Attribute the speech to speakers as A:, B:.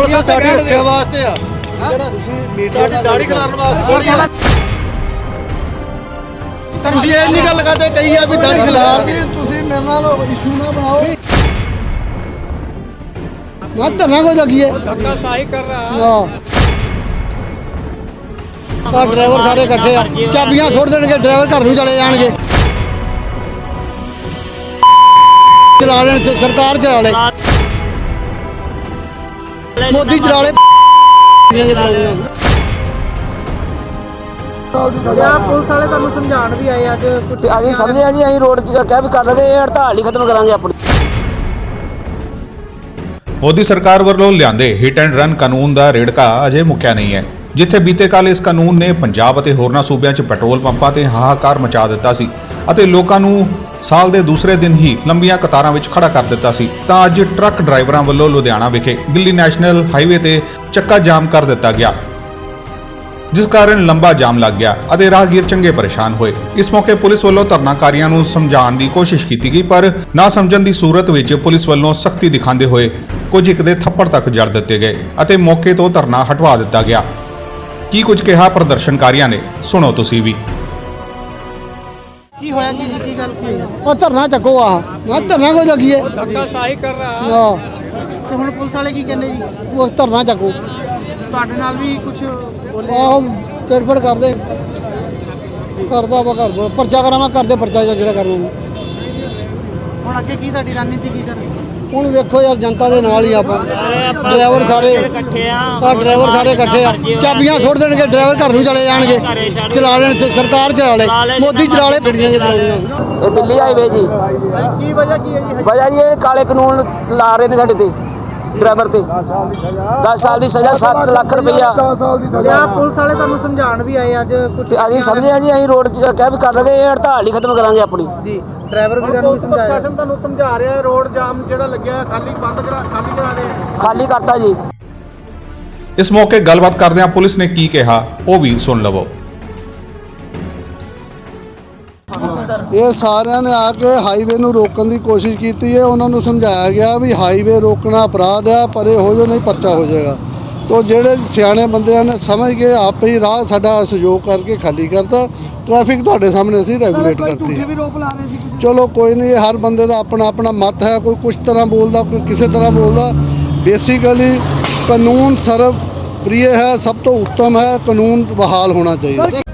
A: ਬੱਸਾਂ ਸਾਡੀ ਰੱਖਿਆ ਵਾਸਤੇ ਆ ਜਿਹੜਾ ਤੁਸੀਂ ਮੀਡੀਆ ਦੀ ਦਾੜੀ ਖਿਲਾਰਨ ਵਾਸਤੇ ਥੋੜੀ ਆ। ਤੁਸੀਂ ਇਹ ਨਹੀਂ ਗੱਲ ਕਰਦੇ ਕਹੀ ਆ ਵੀ ਦਾੜੀ ਖਿਲਾਰ
B: ਤੁਸੀਂ ਮੇਰੇ ਨਾਲ ਇਸ਼ੂ ਨਾ ਬਣਾਓ।
A: ਮੈਂ ਧਰਨਾ ਕੋ ਲੱਗੀਏ
C: धक्का साही कर रहा है।
A: ਆ ਡਰਾਈਵਰ ਸਾਰੇ ਇਕੱਠੇ ਆ ਚਾਬੀਆਂ ਸੁੱਟ ਦੇਣਗੇ ਡਰਾਈਵਰ ਘਰ ਨੂੰ ਚਲੇ ਜਾਣਗੇ ਚਲਾ ਲੈਣ ਸਰਕਾਰ ਚਲਾ ਲੈ ਮੋਦੀ ਚਲਾ ਲੈ
B: ਪੁਲਿਸ ਵਾਲੇ ਤੁਹਾਨੂੰ ਸਮਝਾਉਣ ਵੀ ਆਏ ਅੱਜ ਕੁਝ
D: ਅਸੀਂ ਸਮਝਿਆ ਜੀ ਅਸੀਂ ਰੋਡ 'ਚ ਕਹਿ ਵੀ ਕਰ ਲਗੇ ਇਹ ਹੜਤਾਲ ਹੀ ਖਤਮ ਕਰਾਂਗੇ ਆਪਣੀ।
E: ਮੋਦੀ ਸਰਕਾਰ ਵੱਲੋਂ ਲਿਆਂਦੇ ਹਿੱਟ ਐਂਡ ਰਨ ਕਾਨੂੰਨ ਦਾ ਰੇੜਕਾ ਅਜੇ ਮੁੱਕਿਆ ਨਹੀਂ ਹੈ, ਜਿੱਥੇ ਬੀਤੇ ਕੱਲ ਇਸ ਕਾਨੂੰਨ ਨੇ ਪੰਜਾਬ ਅਤੇ ਹੋਰਨਾਂ ਸੂਬਿਆਂ 'ਚ ਪੈਟਰੋਲ ਪੰਪਾਂ ਤੇ ਹਾਹਾਕਾਰ ਮਚਾ ਦਿੱਤਾ ਸੀ ਅਤੇ ਲੋਕਾਂ ਨੂੰ ਸਾਲ ਦੇ ਦੂਸਰੇ ਦਿਨ ਹੀ ਲੰਬੀਆਂ ਕਤਾਰਾਂ ਵਿੱਚ ਖੜਾ ਕਰ ਦਿੱਤਾ ਸੀ, ਤਾਂ ਅੱਜ ਟਰੱਕ ਡਰਾਈਵਰਾਂ ਵੱਲੋਂ ਲੁਧਿਆਣਾ ਵਿਖੇ ਦਿੱਲੀ ਨੈਸ਼ਨਲ ਹਾਈਵੇ ਤੇ ਚੱਕਾ ਜਾਮ ਕਰ ਦਿੱਤਾ ਗਿਆ, ਜਿਸ ਕਾਰਨ ਲੰਬਾ ਜਾਮ ਲੱਗ ਗਿਆ ਅਤੇ ਰਾਹਗੀਰ ਚੰਗੇ ਪਰੇਸ਼ਾਨ ਹੋਏ। ਇਸ ਮੌਕੇ ਪੁਲਿਸ ਵੱਲੋਂ ਧਰਨਾਕਾਰੀਆਂ ਨੂੰ ਸਮਝਾਉਣ ਦੀ ਕੋਸ਼ਿਸ਼ ਕੀਤੀ ਗਈ, ਪਰ ਨਾ ਸਮਝਣ ਦੀ ਸੂਰਤ ਵਿੱਚ ਪੁਲਿਸ ਵੱਲੋਂ ਸਖਤੀ ਦਿਖਾਉਂਦੇ ਹੋਏ ਕੁਝ ਇੱਕ ਦੇ ਥੱਪੜ ਤੱਕ ਜੜ ਦਿੱਤੇ ਗਏ ਅਤੇ ਮੌਕੇ ਤੋਂ ਧਰਨਾ ਹਟਵਾ ਦਿੱਤਾ ਗਿਆ। ਕੀ ਕੁਝ ਕਿਹਾ ਪ੍ਰਦਰਸ਼ਨਕਾਰੀਆਂ ਨੇ, ਸੁਣੋ ਤੁਸੀਂ ਵੀ।
B: ਕੀ ਹੋਇਆ ਕੀ ਗੱਲ ਕੀ ਹੋਈ?
A: ਉਹ ਧਰਨਾ ਚੱਕੋ ਆ ਮੈਂ ਧਰਨਾ ਕੋ ਲੱਗੀਏ
C: धक्का साही कर रहा है।
A: ਆ
B: ਤੇ ਹੁਣ ਪੁਲਿਸ ਵਾਲੇ ਕੀ ਕਹਿੰਦੇ ਜੀ?
A: ਉਹ ਧਰਨਾ ਚੱਕੋ
B: ਤੁਹਾਡੇ ਨਾਲ ਵੀ ਕੁਝ ਬੋਲੇ?
A: ਆਹੋ ਤੇੜਫੜ ਕਰਦੇ ਕਰਦਾ ਵਾ ਘਰ ਪਰਚਾ ਕਰਾਵਾਂ ਕਰਦੇ ਪਰਚਾ ਜਿਹੜਾ ਕਰਨਾ।
B: ਹੁਣ ਅੱਗੇ ਕੀ ਤੁਹਾਡੀ ਰਣਨੀਤੀ ਕੀ ਕਰ?
A: ਹੁਣ ਵੇਖੋ ਯਾਰ ਜਨਤਾ ਦੇ ਨਾਲ ਹੀ ਆਪਾਂ ਡਰਾਈਵਰ ਸਾਰੇ ਡਰਾਈਵਰ ਸਾਰੇ ਇਕੱਠੇ ਆ ਚਾਬੀਆਂ ਸੁੱਟ ਦੇਣਗੇ ਡਰਾਈਵਰ ਘਰ ਨੂੰ ਚਲੇ ਜਾਣਗੇ ਚਲਾ ਲੈਣ ਸਰਕਾਰ ਚਲਾ ਲੈ ਮੋਦੀ ਚਲਾ ਲੈ ਗੱਡੀਆਂ ਜੇ ਚਲਾਉਣੀਆਂ।
D: ਇਹ ਦਿੱਲੀ ਹਾਈਵੇ ਜੀ
B: ਕੀ ਵਜ੍ਹਾ ਕੀ ਹੈ ਜੀ?
D: ਵਜ੍ਹਾ ਜੀ ਇਹ ਕਾਲੇ ਕਾਨੂੰਨ ਲਾ ਰਹੇ ਨੇ ਸਾਡੇ ਤੇ ਡਰਾਈਵਰ ਤੇ 10 ਸਾਲ ਦੀ ਸਜ਼ਾ 7 ਲੱਖ ਰੁਪਈਆ।
B: ਪੁਲਿਸ ਵਾਲੇ ਤੁਹਾਨੂੰ ਸਮਝਾਉਣ ਵੀ ਆਏ ਅੱਜ ਕੁਝ?
D: ਤੇ ਅਸੀਂ ਸਮਝਿਆ ਜੀ ਅਸੀਂ ਰੋਡ 'ਚ ਕਹਿ ਵੀ ਕਰ ਲਗੇ ਇਹ ਹੜਤਾਲ ਹੀ ਖਤਮ ਕਰਾਂਗੇ ਆਪਣੀ।
B: ਜੀ ਡਰਾਈਵਰ ਵੀਰਾਂ ਨੂੰ ਵੀ ਸਮਝਾਇਆ?
A: ਪ੍ਰਸ਼ਾਸਨ ਤੁਹਾਨੂੰ ਸਮਝਾ ਰਿਹਾ ਰੋਡ ਜਾਮ ਜਿਹੜਾ ਲੱਗਿਆ ਖਾਲੀ ਕਰਾ ਦੇ
D: ਖਾਲੀ ਕਰਤਾ ਜੀ।
E: ਇਸ ਮੌਕੇ ਗੱਲਬਾਤ ਕਰਦਿਆਂ ਪੁਲਿਸ ਨੇ ਕੀ ਕਿਹਾ ਉਹ ਵੀ ਸੁਣ ਲਵੋ।
F: ਇਹ ਸਾਰਿਆਂ ਨੇ ਆ ਕੇ ਹਾਈਵੇ ਨੂੰ ਰੋਕਣ ਦੀ ਕੋਸ਼ਿਸ਼ ਕੀਤੀ ਹੈ। ਉਹਨਾਂ ਨੂੰ ਸਮਝਾਇਆ ਗਿਆ ਵੀ ਹਾਈਵੇ ਰੋਕਣਾ ਅਪਰਾਧ ਹੈ, ਪਰੇ ਹੋ ਜਾਓ ਨਹੀਂ ਪਰਚਾ ਹੋ ਜਾਏਗਾ। ਤੋ ਜਿਹੜੇ ਸਿਆਣੇ ਬੰਦਿਆਂ ਨੇ ਸਮਝ ਕੇ ਆਪੇ ਹੀ ਰਾਹ ਸਾਡਾ ਸਹਿਯੋਗ ਕਰਕੇ ਖਾਲੀ ਕਰਤਾ। ਟ੍ਰੈਫਿਕ ਤੁਹਾਡੇ ਸਾਹਮਣੇ ਅਸੀਂ ਰੈਗੂਲੇਟ ਕਰਤੀ।
B: ਵੀ ਰੋਕ ਲਾ ਰਹੇ ਸੀ?
F: ਚਲੋ ਕੋਈ ਨਹੀਂ, ਹਰ ਬੰਦੇ ਦਾ ਆਪਣਾ ਆਪਣਾ ਮਤ ਹੈ, ਕੋਈ ਕੁਛ ਤਰ੍ਹਾਂ ਬੋਲਦਾ ਕੋਈ ਕਿਸੇ ਤਰ੍ਹਾਂ ਬੋਲਦਾ। ਬੇਸਿਕਲੀ ਕਾਨੂੰਨ ਸਰਵ ਪ੍ਰਿਯ ਹੈ, ਸਭ ਤੋਂ ਉੱਤਮ ਹੈ, ਕਾਨੂੰਨ ਬਹਾਲ ਹੋਣਾ ਚਾਹੀਦਾ।